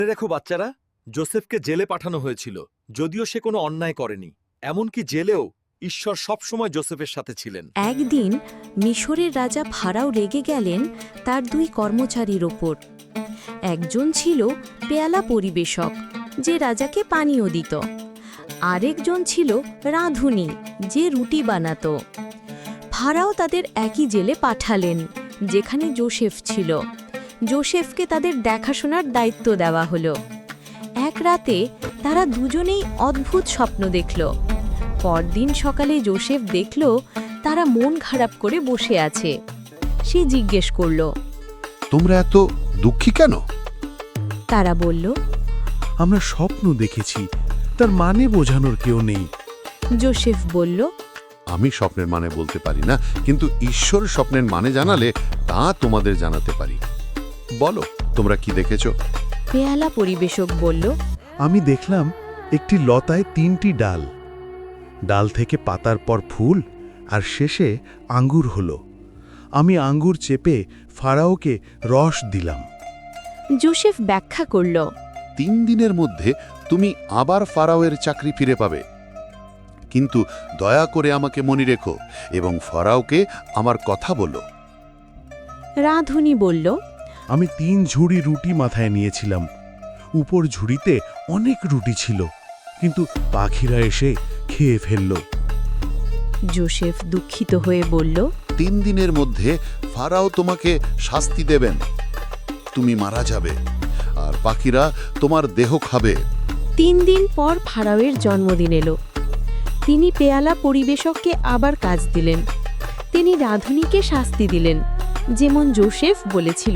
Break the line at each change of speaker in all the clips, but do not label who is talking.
মনে রেখো বাচ্চারা, জোসেফকে জেলে পাঠানো হয়েছিল, যদিও সে কোনো অন্যায় করেনি। এমনকি জেলেও ঈশ্বর সবসময় জোসেফের সাথে ছিলেন।
একদিন মিশরের রাজা ফারাও রেগে গেলেন তার দুই কর্মচারীর ওপর। একজন ছিল পেয়ালা পরিবেশক, যে রাজাকে পানীয় দিত। আরেকজন ছিল রাঁধুনি, যে রুটি বানাত। ফারাও তাদের একই জেলে পাঠালেন, যেখানে জোসেফ ছিল। জোসেফকে তাদের দেখাশোনার দায়িত্ব দেওয়া হলো। এক রাতে তারা দুজনেই অদ্ভুত স্বপ্ন দেখল। পরদিন সকালে জোসেফ দেখল তারা মন খারাপ করে বসে আছে। সে জিজ্ঞেস করল,
তোমরা এত দুঃখী কেন?
তারা বলল,
আমরা স্বপ্ন দেখেছি, তার মানে বোঝানোর কেউ নেই।
জোসেফ বলল,
আমি স্বপ্নের মানে বলতে পারি না, কিন্তু ঈশ্বর স্বপ্নের মানে জানালে তা তোমাদের জানাতে পারি। বলো, তোমরা কি দেখেছ?
পেয়ালা পরিবেশক বলল,
আমি দেখলাম একটি লতায় 3টি ডাল, ডাল থেকে পাতার পর ফুল, আর শেষে আঙ্গুর হলো। আমি আঙ্গুর চেপে ফারাওকে রস দিলাম।
জোসেফ ব্যাখ্যা করল,
3 দিনের মধ্যে তুমি আবার ফারাওয়ের চাকরি ফিরে পাবে, কিন্তু দয়া করে আমাকে মনে রেখো এবং ফারাওকে আমার কথা বলো।
রাঁধুনি বলল,
আমি 3 ঝুড়ি রুটি মাথায় নিয়েছিলাম। উপর ঝুড়িতে অনেক রুটি ছিল, কিন্তু পাখিরা এসে খেয়ে ফেলল।
জোসেফ দুঃখিত হয়ে বলল,
3 দিনের মধ্যে ফারাও তোমাকে শাস্তি দেবেন, তুমি মারা যাবে, আর পাখিরা তোমার দেহ খাবে।
3 দিন পর ফারাওয়ের জন্মদিন এলো। তিনি পেয়ালা পরিবেশককে আবার কাজ দিলেন। তিনি রাঁধুনিকে শাস্তি দিলেন, যেমন জোসেফ বলেছিল।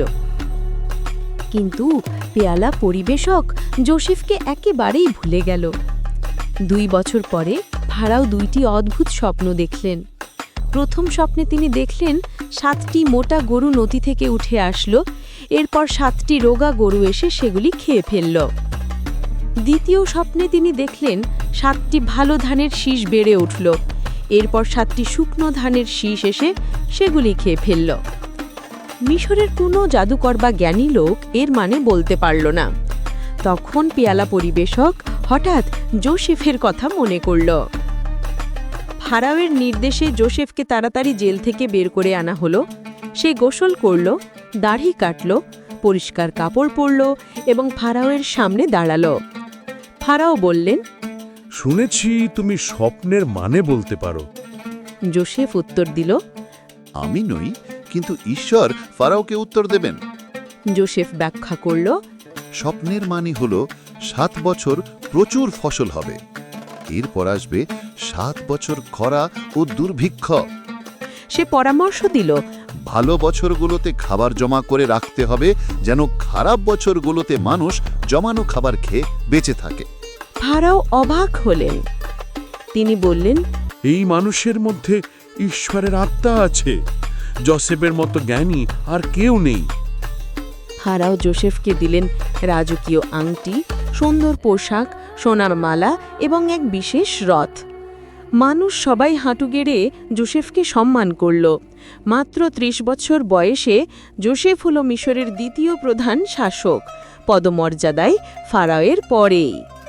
কিন্তু পেয়ালা পরিবেশক জোসেফকে একেবারেই ভুলে গেল। 2 বছর পরে ফারাও 2টি অদ্ভুত স্বপ্ন দেখলেন। প্রথম স্বপ্নে তিনি দেখলেন 7টি মোটা গরু নদী থেকে উঠে আসলো, এরপর 7টি রোগা গরু এসে সেগুলি খেয়ে ফেলল। দ্বিতীয় স্বপ্নে তিনি দেখলেন 7টি ভালো ধানের শীষ বেড়ে উঠল, এরপর 7টি শুকনো ধানের শীষ এসে সেগুলি খেয়ে ফেলল। মিশরের কোনো জাদুকর বা জ্ঞানী লোক এর মানে বলতে পারল না। তখন পেয়ালা পরিবেশক হঠাৎ জোসেফের কথা মনে করল। ফারাওয়ের নির্দেশে জোসেফকে তাড়াতাড়ি জেল থেকে বের করে আনা হলো। সে গোসল করল, দাড়ি কাটল, পরিষ্কার কাপড় পরল এবং ফারাওয়ের সামনে দাঁড়াল। ফারাও বললেন,
শুনেছি তুমি স্বপ্নের মানে বলতে পারো।
জোসেফ উত্তর দিল,
আমি নই, কিন্তু ঈশ্বর ফারাওকে উত্তর দেবেন।
জোসেফ ব্যাখ্যা করল,
স্বপ্নের মানে হলো 7 বছর প্রচুর ফসল হবে, এরপর আসবে 7 বছর খরা ও দুর্ভিক্ষ।
সে পরামর্শ দিল,
ভালো বছরগুলোতে খাবার জমা করে রাখতে হবে, যেন খারাপ বছরগুলোতে মানুষ জমানো খাবার খেয়ে বেঁচে থাকে।
ফারাও অবাক হলেন। তিনি বললেন,
এই মানুষের মধ্যে ঈশ্বরের আত্মা আছে। জোসেফের মতো জ্ঞানী আর কেউ নেই।
ফারাও জোসেফকে দিলেন রাজকীয় আংটি, সুন্দর পোশাক, সোনার মালা এবং এক বিশেষ রথ। মানুষ সবাই হাঁটু গেড়ে জোসেফকে সম্মান করল। মাত্র 30 বছর বয়সে জোসেফ হল মিশরের দ্বিতীয় প্রধান শাসক, পদমর্যাদায় ফারাওয়ের পরেই।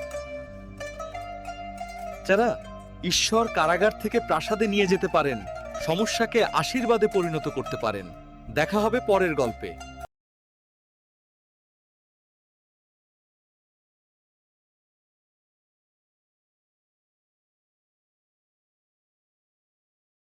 যারা ঈশ্বর কারাগার থেকে প্রাসাদে নিয়ে যেতে পারেন, সমস্যাকে আশীর্বাদে পরিণত করতে পারেন। দেখা হবে পরের গল্পে।